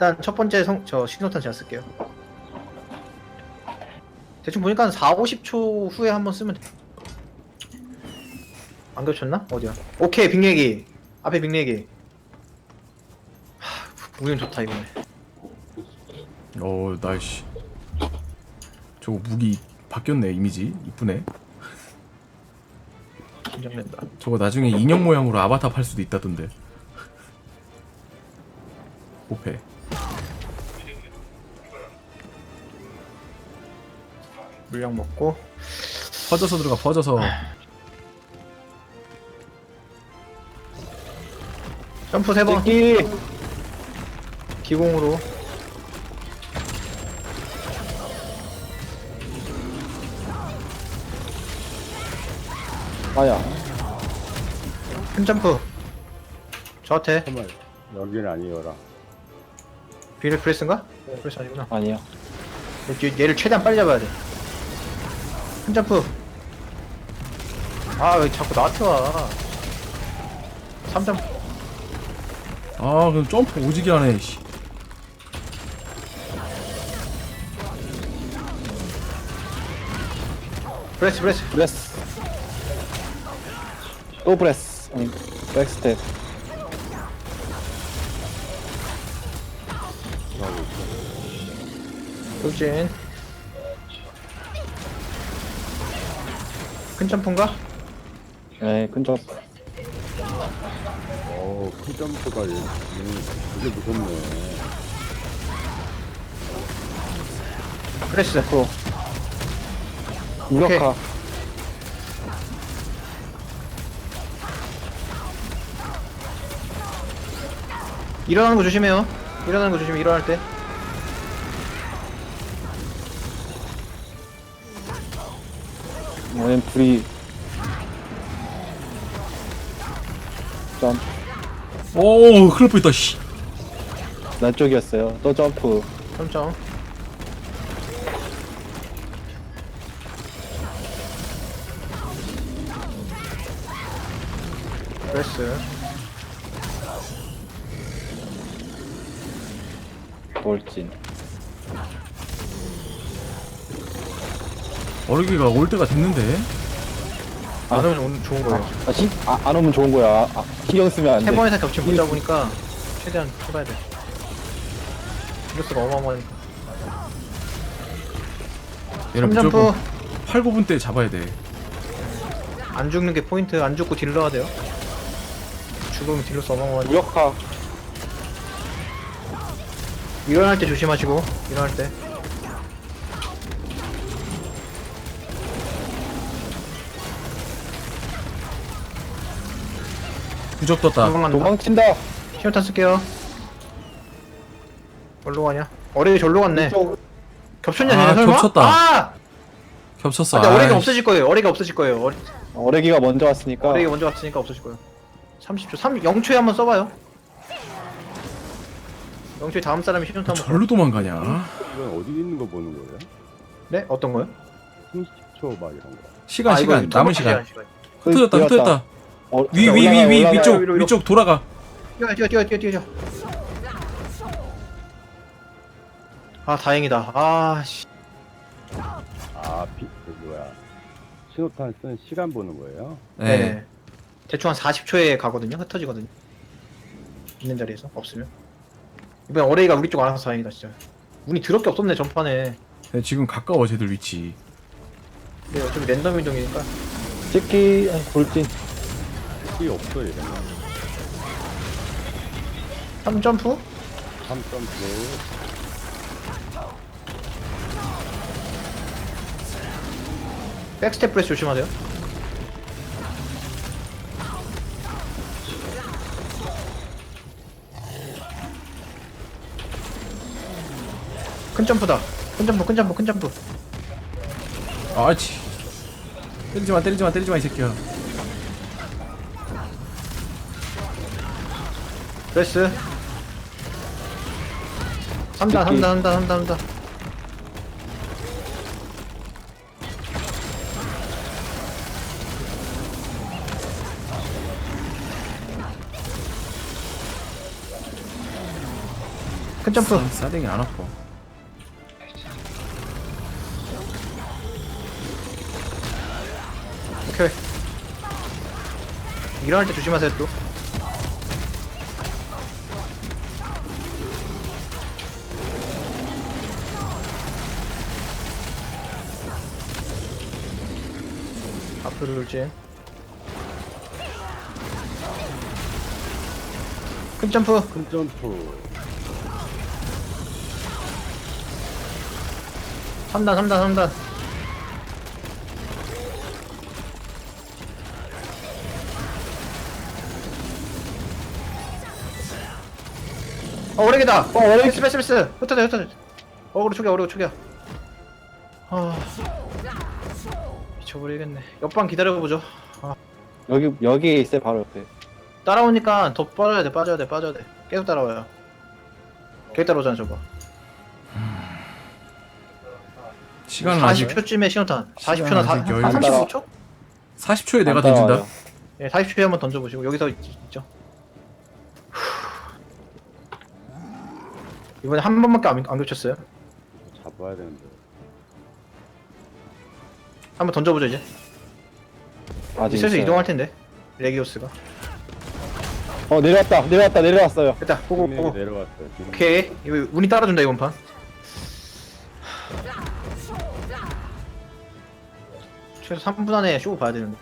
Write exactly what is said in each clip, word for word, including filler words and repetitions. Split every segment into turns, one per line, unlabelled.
일단 첫 번째 성, 저 신호탄 제가 쓸게요. 대충 보니까 한 사, 오십 초 후에 한번 쓰면 돼. 안 겹쳤나? 어디야? 오케이, 빅내기. 앞에 빅내기. 하, 우연 좋다, 이번에.
어 나이씨. 저거 무기 바뀌었네. 이미지 이쁘네.
긴장된다.
저거 나중에 인형 모양으로 아바타 팔 수도 있다던데. 오페.
물량 먹고.
퍼져서 들어가. 퍼져서.
점프 세 번.
찍기.
기공으로.
아야.
큰 점프. 저한테.
정말 여기는 아니어라.
비를 프레스인가? 프레스 아니구나.
아니야.
얘- 얘를 최대한 빨리 잡아야 돼. 큰 점프. 아, 왜 자꾸 나한테 와. 삼 점프.
아 그럼 점프 오지게 하네. 씨.
프레스, 프레스.
브레스. 또 브레스. 아니, 백스텝.
돌진. 큰 점프인가?
네, 근접.
어우, 큰 점프가 음, 되게 무섭네.
프레스.
프로. 무력화.
일어나는 거 조심해요. 일어나는 거 조심해. 일어날 때.
얘는 불이. 점.
오 큰일 날 뻔했다. 씨.
난 쪽이었어요. 또 점프.
점점. 프레스.
돌진.
어르기가 올 때가 됐는데.
안 오면 오늘 좋은 거예요.
아, 신, 아, 안 오면 좋은 거야. 아, 신경 쓰면 안 돼.
세 번이상 겹치면 못 잡으니까 최대한 해봐야 돼. 이로스가 어마어마하니까.
얘는
삼 점프.
무조건 팔, 구 분 때 잡아야 돼.
안 죽는 게 포인트. 안 죽고 딜 넣어야 돼요. 죽으면 딜로스 어마어마하니까.
무력화.
일어날 때 조심하시고. 일어날 때.
부적 떴다.
도망간다.
도망친다.
신호탄 쓸게요. 어디로 가냐? 어레이 절로 갔네.
이쪽.
겹쳤냐,
아,
쟤네 설마?
겹쳤다.
아!
겹쳤어.
근데 어레이가
아이씨.
없어질 거예요. 어레이가 없어질 거예요. 어레,
어레기가 먼저 왔으니까.
어레이가 먼저 왔으니까 없어질 거예요. 삼십 초. 삼, 영 초에 한번 써봐요. 영 초에 다음 사람이 신호탄 한번.
절로 도망가냐?
이건 어디 있는 거 보는 거예요?
네? 어떤 거요?
삼십 초 막 이런 거.
시간
아, 이거
시간 남은
시간,
시간.
시간.
흩어졌다
뛰었다.
흩어졌다.
어,
위 위 위
올라가,
위
올라가.
위쪽
위로, 위로.
위쪽 돌아가.
뛰어, 뛰어, 뛰어, 뛰어, 뛰어, 뛰어. 아, 다행이다. 아, 씨.
아, 비, 그 뭐야. 신호탄 쓰는 시간 보는 거예요?
네.
네. 대충 한 사십 초에 가거든요. 흩어지거든요. 있는 자리에서 없으면. 이번엔 어레이가 우리 쪽 알아서 다행이다, 진짜. 운이 더럽게 없었네, 전판에.
네, 지금 가까워 쟤들 위치.
근데 어차피 랜덤 이동이니까.
찍기. 아니, 돌진.
키 없어, 이러면.
삼 점프?
삼 점프.
백스텝 프레스 조심하세요. 큰 점프다. 큰 점프, 큰 점프, 큰 점프.
아치. 때리지 마 때리지 마 때리지 마 이 새끼야.
프레스. 삼 단, 삼 단, 삼 단, 삼 단, 삼 단. 큰 큰 점프.
싸- 싸대기 안 아파.
오케이. 일어날 때 조심하세요 또. 앞으로 돌진. 큰 점프.
큰 점프.
삼 단 삼 단 삼 단. 어 오래기다. 어 오래기. 패스 패스 패스. 흩어져 흩어져. 어그로 초기야 어그로 초기야. 아 미쳐버리겠네. 옆방 기다려보죠. 아,
여기 여기에 있어요 바로 옆에.
따라오니까 더 빠져야 돼 빠져야 돼 빠져야 돼. 계속 따라와요. 계속 따라오잖아 저거.
시간은 아직
사십 초쯤에 신호탄. 사십 초나
시간은 아직 여유
삼십오 초?
사십 초에 내가
안 따라와요.
던진다.
예, 사십 초에 한번 던져보시고 여기서 있, 있죠. 이번에 한 번밖에 안, 안 겹쳤어요.
잡아야 되는데.
한번 던져보죠 이제.
아직
슬슬
있어요.
이동할 텐데. 레기오스가.
어 내려왔다 내려왔다 내려왔어요.
됐다. 보고
빅맥이
보고.
내려왔어요. 빅맥.
오케이. 이거 운이 따라준다 이번 판. 최소 삼 분 안에 쇼 봐야 되는데.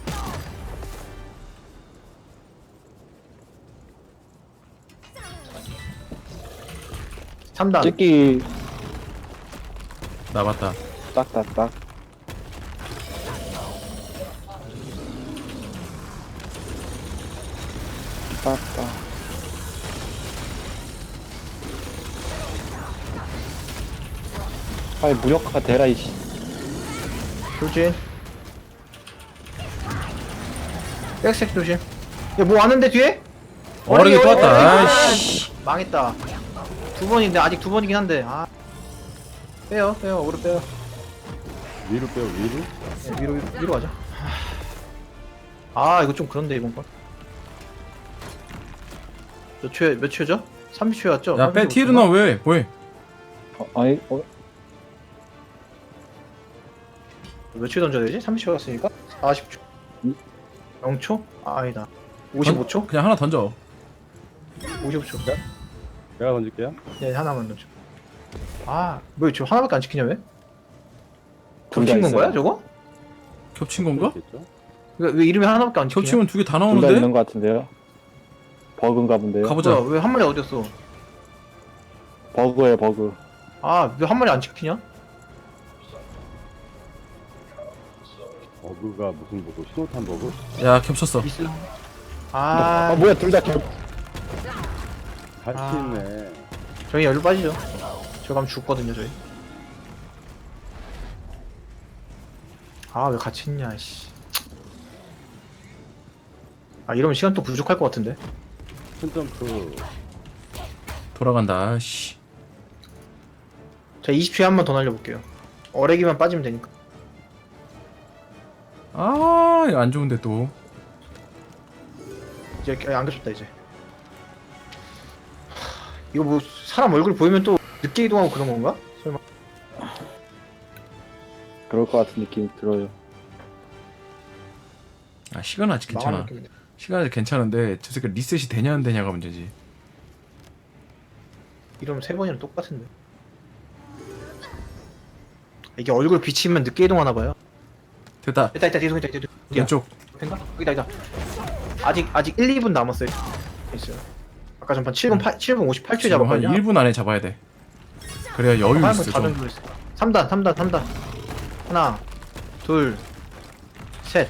삼 단.
찍기
나 맞다.
딱딱딱. 딱딱. 아이 무력화 대라 이씨.
조심. 백색 조심. 야, 뭐 왔는데 뒤에?
어려기 또 왔다.
어려기.
아이씨.
망했다. 두 번인데 아직 두 번이긴 한데. 아. 빼요, 빼요, 오로 빼요.
위로 빼요, 위로?
네, 위로 위로, 위로 가자. 아 이거 좀 그런데 이번 건. 몇 초에 몇 초죠? 삼십 초였죠?
야, 빼 티르나 왜? 뭐해?
어, 아니 어,
몇 초에 던져야 되지? 삼십 초 갔으니까 사십 초.
음.
영 초? 아, 아니다. 오십오 초?
그냥 하나 던져.
오십오 초.
제가 던질게요.
네 하나만 던져. 아, 뭐 저 하나밖에 안 지키냐 왜?
둘다
겹친 건
있어요.
거야 저거?
겹친 건가?
있겠죠?
왜, 왜 이름이 하나밖에 안 지키냐?
겹치면 두 개 다
둘 다 있는
나오는데?
것 같은데요. 버그인가 본데요.
가보자.
왜 한 마리 어디였어?
버그예요 버그.
아, 왜 한 마리 안 지키냐?
버그가 무슨 버그? 신호탄 버그?
야, 겹쳤어.
있어.
아,
아,
뭐야 둘 다 겹.
같이
아.
있네.
저희 열로 빠지죠. 저 가면 죽거든요 저희. 아, 왜 같이 있냐 씨. 아, 이러면 시간 또 부족할 것 같은데.
큰 점프.
돌아간다. 씨.
자, 이십 초에 한 번 더 날려볼게요. 어레기만 빠지면 되니까.
아, 이거 안 좋은데 또.
이제 아, 안 겹쳤다 이제. 하, 이거 뭐 사람 얼굴 보이면 또 늦게 이동하고 그런 건가? 설마.
그럴 것 같은 느낌이 들어요.
아, 시간 아직
망하는
괜찮아.
느낌인데.
시간 아직 괜찮은데 저 새끼 리셋이 되냐 안 되냐가 문제지.
이러면 세 번이랑 똑같은데. 이게 얼굴 비치면 늦게 이동하나 봐요.
됐다.
있다 있다 뒤에 있다 뒤에.
왼쪽.
된가? 여기다 여기다. 아직 아직 일, 이 분 남았어요. 있어요. 아까 전판 칠 분 팔 칠 분 오십팔 초
지금 한
잡았거든요.
일 분 안에 잡아야 돼. 그래야 여유 있어 좀.
삼 단 삼 단 삼 단. 하나 둘 셋.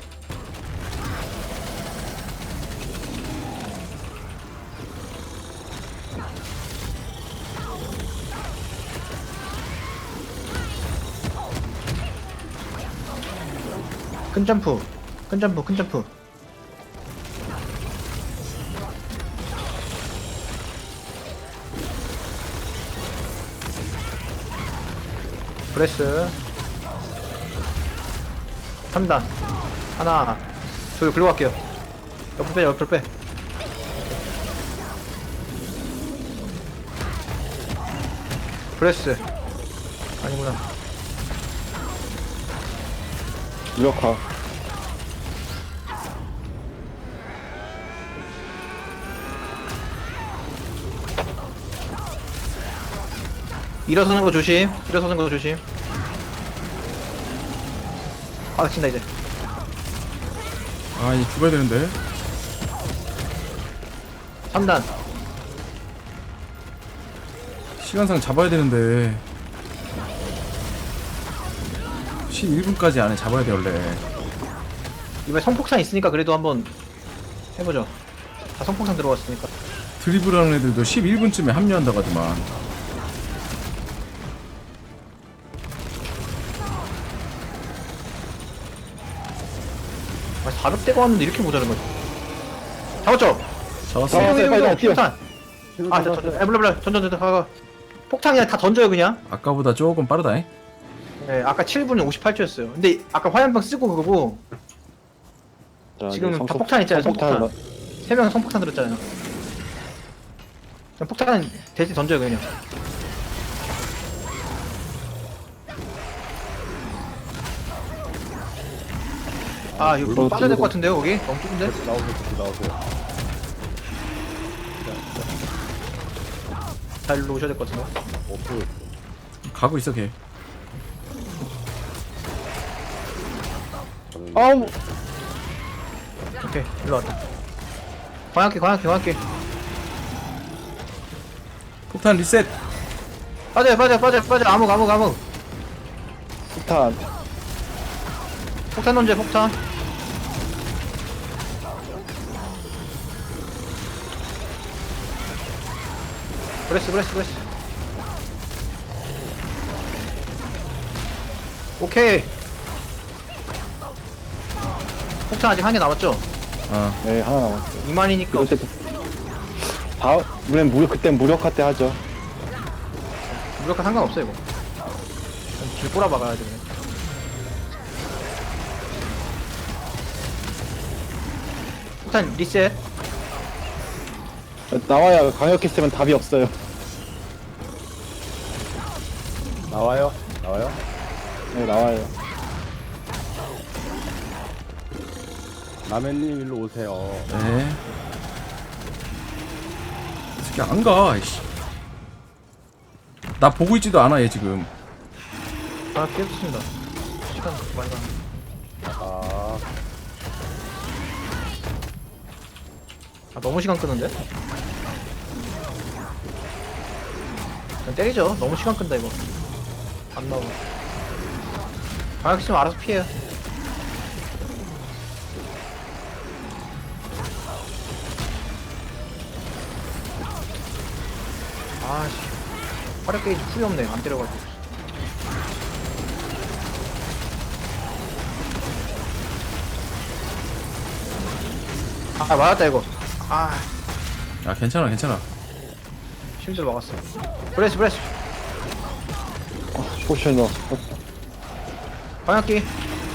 큰 점프, 큰 점프, 큰 점프. 프레스. 삼 단. 하나, 둘, 글로 갈게요. 옆으로 빼, 옆으로 빼. 브레스. 아니구나.
무력화.
일어서는 거 조심. 일어서는 거 조심. 아, 친다 이제.
아, 이 죽어야 되는데.
삼 단.
시간상 잡아야 되는데. 십일 분까지 안에 잡아야 돼 원래.
이번에 성폭탄 있으니까 그래도 한번 해보죠. 다 성폭탄 들어갔으니까.
드리블하는 애들도 십일 분쯤에 합류한다고 하더만.
아, 사백 대가 왔는데 이렇게 모자란 거지. 잡았죠?
잡았어.
아,
여기, 여기,
빨리
여기,
뛰어.
폭탄.
신호
아, 저, 저, 저, 에, 몰라, 몰라. 전, 전, 전, 가, 가. 폭탄 그냥 다 던져요, 그냥.
아까보다 조금 빠르다잉.
네, 아까 칠 분 오십팔 초였어요. 근데 아까 화염병 쓰고 그거고,
자,
지금
이제
다
성폭-
폭탄 있잖아요,
성폭탄을
성폭탄. 세 명은 성폭탄 들었잖아요. 그냥 폭탄 대신 던져요, 그냥. 아, 이거
물론
빠져야 될 것
들고-
같은데요, 거기? 너무 좁은데?
나오세요, 다시 나오세요.
잘 일로 오셔야 될 것 같은데.
없어졌어.
가고 있어 걔.
저는
아우!
오케이, 일로 왔다. 광학기, 광학기, 광학기.
폭탄 리셋.
빠져요, 빠져요, 빠져요, 빠져요. 암흑, 암흑, 암흑.
폭탄.
폭탄 던져요, 폭탄. 브레스, 브레스, 브레스. 오케이. 폭탄 아직 한 개 남았죠?
어.
네, 하나 남았어요.
이만이니까.
이럴 때, 다, 우리는 무력, 그땐 무력화 때 하죠.
무력화 상관없어, 이거. 길 꼬라 박아야 돼, 그냥. 폭탄 리셋.
나와야 강력했으면 답이 없어요.
나와요? 나와요?
네, 나와요.
라멘님 일로 오세요.
네. 이 새끼 안 가. 이씨. 나 보고 있지도 않아 얘 지금.
아, 깨졌습니다. 시간 많이 가네.
아,
아, 너무 시간 끄는데? 그냥 때리죠. 너무 시간 끈다, 이거. 안 나오고. 방역 있으면 알아서 피해요. 아씨. 화력 게이지 풀이 없네. 안 때려가지고. 아, 맞았다, 이거. 아.
야 괜찮아 괜찮아.
실드 막았어. 브레스 브레스.
어, 포션 넣었어.
방역기.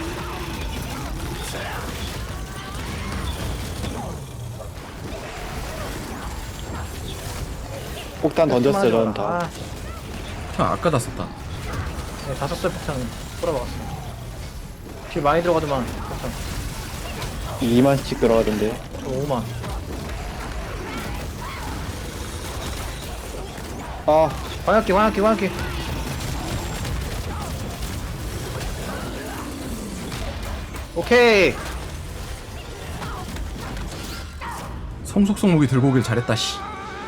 폭탄 던졌어요, 저는 다.
아,
폭탄 아까 다 썼다.
네, 다 썼어요 폭탄은. 뿌려 막았어. 길 많이 들어가더만 폭탄.
이만씩 들어가던데.
저 오만.
아,
방역기 방역기 방역기. 오케이.
성속성 무기 들고 오길 잘했다 씨.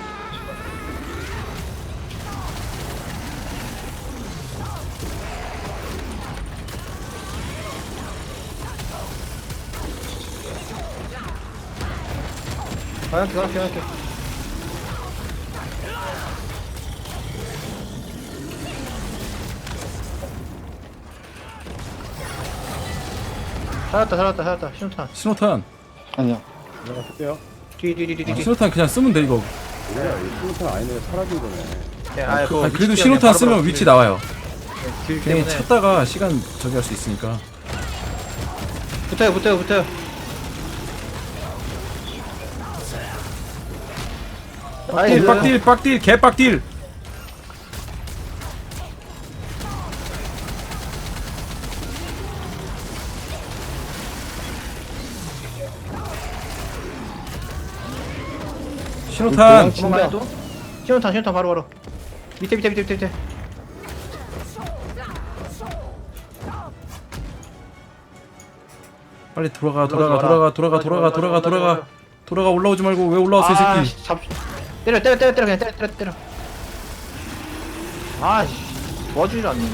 방역기 방역기 방역기. 살았다 살았다 살았다. 신호탄.
신호탄.
아니야.
내가 쓸게요.
뒤뒤뒤뒤뒤.
아, 신호탄 그냥 쓰면 돼 이거.
뭐야, 이 신호탄 아니네. 사라진 거네.
네, 아,
그,
그거
아니, 그래도
위치
신호탄
때문에
쓰면
바로바로
위치
길-
나와요.
네, 길
그냥
때문에.
찾다가 시간 저기 할 수 있으니까.
붙어요 붙어요 붙어요.
빡딜 빡딜 빡딜 개빡딜. 신호탄.
도망가 해도. 신호탄 신호탄 바로 바로. 밑에 밑에 밑에 밑에 밑에.
빨리 돌아가 돌아가 돌아가 돌아가 돌아가 돌아가 돌아가 돌아가. 올라오지 말고 왜 올라왔어 이
아,
새끼.
씨, 잡. 때려 때려 때려 때려 그냥 때려 때려 때려. 아씨 도와주질 않네.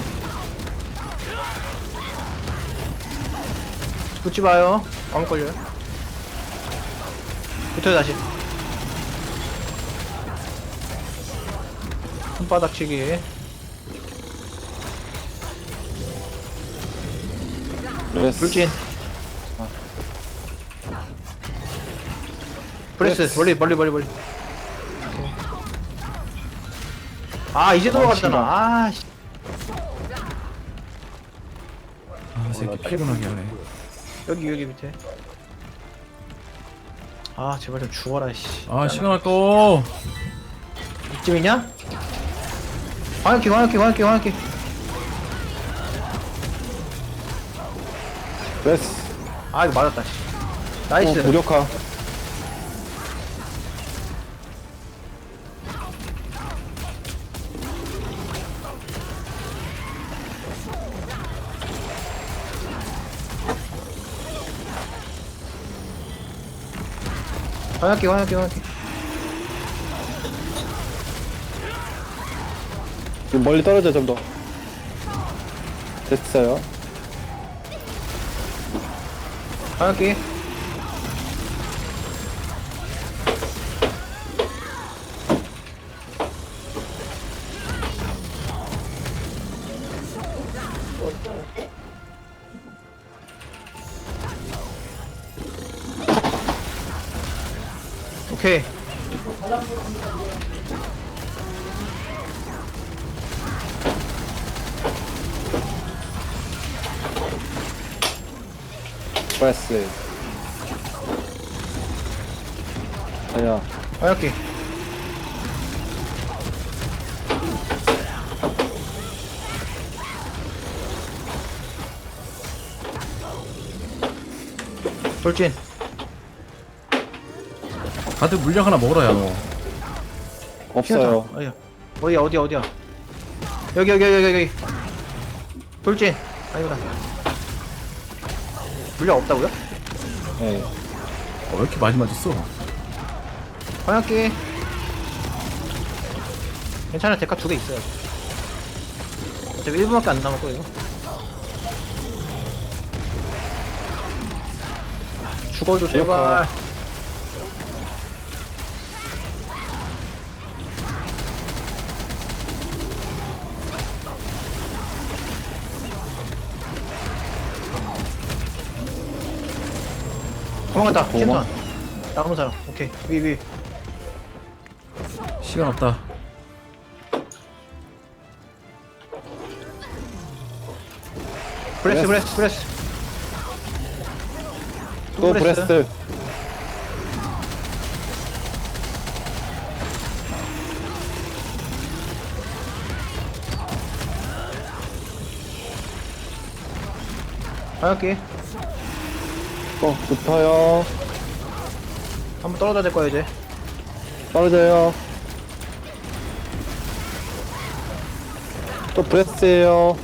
붙지 마요. 아무 걸려요. 붙어요 다시. 손바닥 치기.
브레스.
불진. 아. 프레스 멀리 멀리 멀리 멀리. 아 이제 돌아갔잖아. 아 씨.
아 새끼 피곤하게 하네.
여기 여기 밑에. 아 제발 좀 죽어라 씨.
아 시간 아까워.
이쯤이냐? 광역기 광역기 광역기 광역기.
브레스.
아 이거 맞았다 씨.
또
나이스.
무력화.
광역기 광역기 광역기.
지금 멀리 떨어져 좀 더. 됐어요.
광역기. 오케이.
브레스. 아야.
광역기. 돌진.
다들 물약 하나 먹어라 야 너.
없어요.
어디야? 어디야 어디야 어디야? 여기 여기 여기 여기 여기. 돌진. 아니구나. 물량 없다고요?
네.
어, 왜 이렇게 많이 맞았어?
광역기. 괜찮아 데카 두 개 있어요. 어차피 일 분밖에 안 남았고 이거. 죽어줘 제발. 도망갔다.
도망-
킨턴. 남은 사람. 오케이. 위 위.
시간 없다.
브레스 브레스 브레스.
또 브레스.
광역기.
또 붙어요.
한번 떨어져야 될 거야 이제.
떨어져요. 또 브레스예요.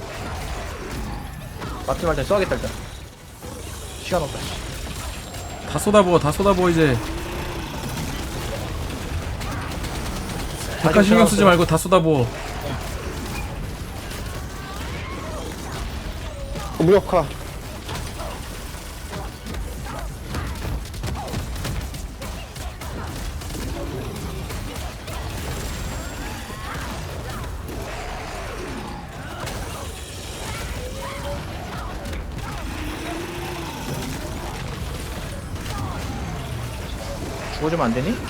맞지 말자 써야겠다 일단. 시간 없다.
다 쏟아부어 다 쏟아부어 이제. 잠깐 신경 쓰지 말고 다 쏟아부어.
어, 무력화.
죽어주면 안 되니?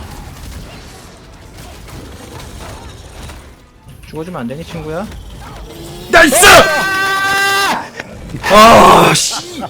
죽어주면 안 되니 친구야?
나이스! 아 씨.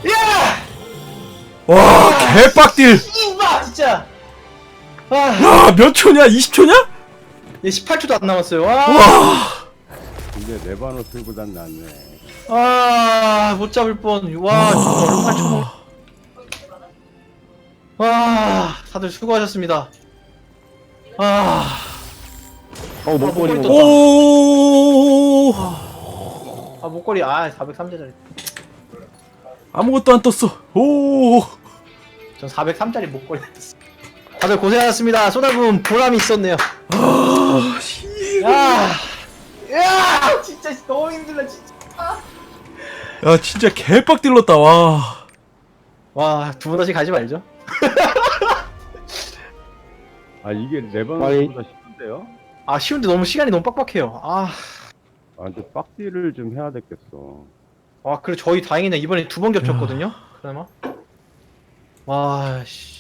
와 개빡딜.
이봐 진짜. 아,
야 몇 초냐? 이십 초냐?
얘 십팔 초도 안 남았어요. 와,
와.
근데 레바노스보단 낫네.
아, 못 잡을 뻔. 와, 진짜 얼마나 초. 와, 다들 수고하셨습니다. 아,
어 목걸이
목걸이
먹어.
오
아 목걸이 아 사백삼 짜리.
아무것도 안 떴어. 오
전 사백삼 짜리 목걸이 떴어. 다들 고생하셨습니다. 쏟아부은 보람이 있었네요.
아, 씨.
야, 야, 진짜 너무 힘들다 진짜.
야 진짜 개빡 딜렀다. 와.
와, 두 번 다시 가지 말죠.
아 이게
빨리.
레바논보다 쉽은데요?
아, 쉬운데 너무 시간이 너무 빡빡해요. 아,
아 근데 빡디를 좀 해야 되겠어.
와, 그래 저희 다행이네. 이번에 두 번 겹쳤거든요. 그나마. 와, 씨.